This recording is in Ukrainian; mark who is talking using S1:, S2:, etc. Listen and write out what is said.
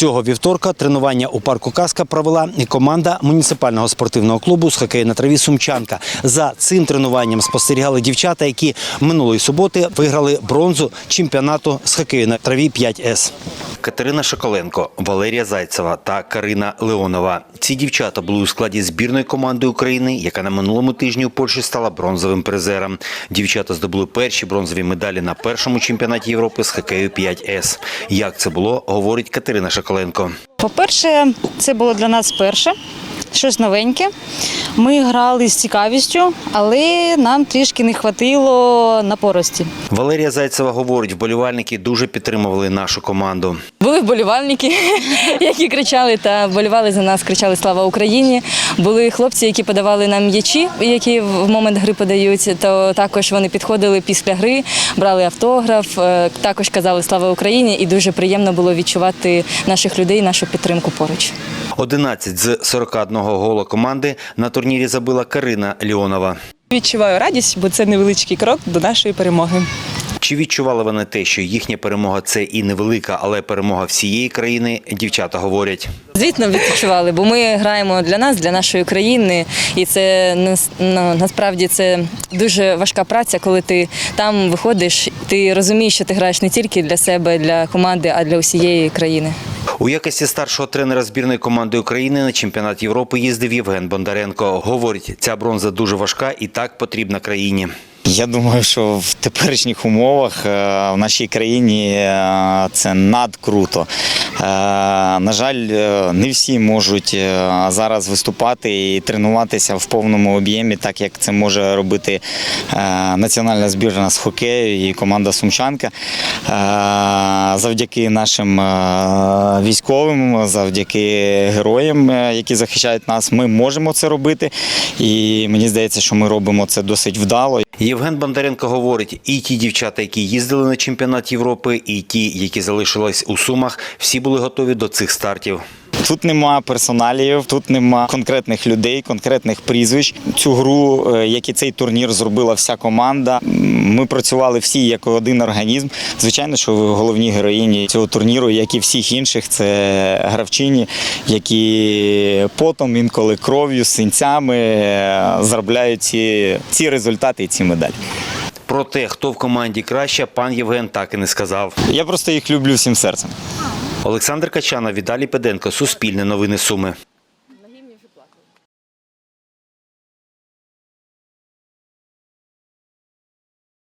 S1: Цього вівторка тренування у парку «Казка» провела і команда муніципального спортивного клубу з хокею на траві «Сумчанка». За цим тренуванням спостерігали дівчата, які минулої суботи виграли бронзу чемпіонату з хокею на траві 5С. Катерина Шоколенко, Валерія Зайцева та Карина Леонова. Ці дівчата були у складі збірної команди України, яка на минулому тижні у Польщі стала бронзовим призером. Дівчата здобули перші бронзові медалі на першому чемпіонаті Європи з хокею 5С. Як це було, говорить Катерина Шоколенко.
S2: По-перше, це було для нас перше, щось новеньке. Ми грали з цікавістю, але нам трішки не хватило напорості.
S1: Валерія Зайцева говорить, вболівальники дуже підтримували нашу команду.
S2: Були вболівальники, які кричали та вболівали за нас, кричали «Слава Україні!». Були хлопці, які подавали нам м'ячі, які в момент гри подають, то також вони підходили після гри, брали автограф, також казали «Слава Україні!» і дуже приємно було відчувати наших людей, нашу підтримку поруч.
S1: 11 з 41 гола команди на турнірі забила Карина Леонова.
S3: Відчуваю радість, бо це невеличкий крок до нашої перемоги.
S1: Чи відчували вони те, що їхня перемога – це і невелика, але перемога всієї країни, дівчата говорять.
S2: Звісно, відчували, бо ми граємо для нас, для нашої країни, і це насправді це дуже важка праця, коли ти там виходиш, ти розумієш, що ти граєш не тільки для себе, для команди, а для усієї країни.
S1: У якості старшого тренера збірної команди України на чемпіонат Європи їздив Євген Бондаренко. Говорить, ця бронза дуже важка і так потрібна країні.
S4: Я думаю, що в теперішніх умовах в нашій країні це надкруто. На жаль, не всі можуть зараз виступати і тренуватися в повному об'ємі, так як це може робити національна збірна з хокею і команда «Сумчанка». Завдяки нашим військовим, завдяки героям, які захищають нас, ми можемо це робити. І мені здається, що ми робимо це досить вдало.
S1: Євген Бондаренко говорить, і ті дівчата, які їздили на чемпіонат Європи, і ті, які залишились у Сумах, всі були готові до цих стартів.
S4: Тут нема персоналів, тут нема конкретних людей, конкретних прізвищ. Цю гру, як і цей турнір, зробила вся команда. Ми працювали всі як один організм. Звичайно, що головні героїні цього турніру, як і всіх інших, це гравчині, які потом, інколи кров'ю, синцями заробляють ці результати і ці медалі.
S1: Про те, хто в команді краще, пан Євген так і не сказав.
S4: Я просто їх люблю всім серцем.
S1: Олександр Качана, Віталій Педенко, Суспільне новини Суми.